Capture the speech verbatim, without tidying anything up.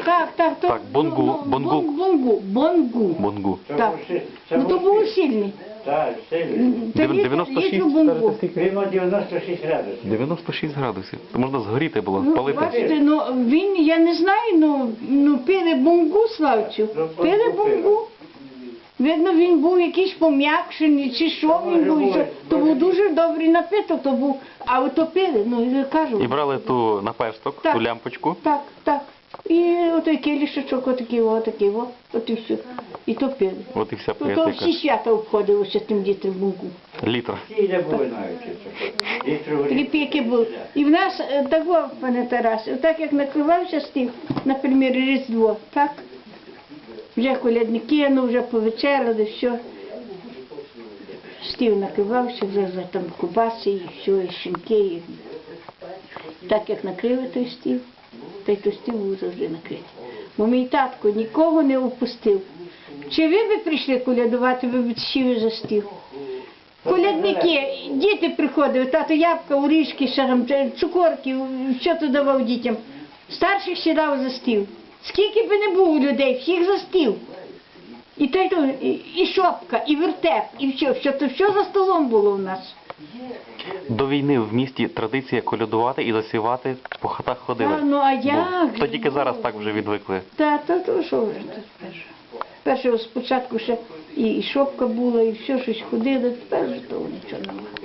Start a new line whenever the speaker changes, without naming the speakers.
Так, так, то,
Так, бонгу,
ну, ну,
бонгу.
бон- бонгу, бонгу.
Бонгу.
Так. Ну то було сильний.
Так, сильно.
Тоді
дев'яносто шість,
літру бонгу.
Прямо дев'яносто шість градусів.
дев'яносто шість градусів. То можна згоріти було,
Ну,
спалити.
бачите, ну він, я не знаю, ну, ну пили бонгу, Славцю. Пили бонгу. Видно, він був якийсь пом'якшений, чи що він був, що, то був дуже добрий напиток, то був, а ото пили, ну, я кажу.
І брали ту наперсток,
Так.
ту лямпочку.
Так, так. І отой кілішечок, отакий, отакий, от, от і все. І то пили.
От і вся
То, то всі
поетика.
свята обходилося тим дітром бонгу.
Літр.
Всі не були навіть. Літру
Такі
горілки.
піки були. І в нас е, такого, пане Тарас, так як накривався стіл, наприклад, Різдво, так? Вже колядники, ну вже повечеряли, все. Стіл накривався, вже, вже там кубаси і все, і шинки. І... Так як накрили той стіл, та й той стіл був завжди накритий. Бо мій татко нікого не опустив. Чи ви б прийшли колядувати, ви б сіли за стіл? Колядники, діти приходили, тато ябка, орішки, ще там, цукорки, що то давав дітям. Старших сідав за стіл. Скільки б не було людей, всіх за стіл. І, та й то, і, і шопка, і вертеп, і все, все, то все за столом було у нас.
До війни в місті традиція колядувати і засівати, по хатах ходили.
А, ну а
Був.
як?
То тільки зараз так вже відвикли.
Та, то, то що вже тут перше. Перше спочатку ще і, і шопка була, і все щось ходили, тепер вже того нічого немає.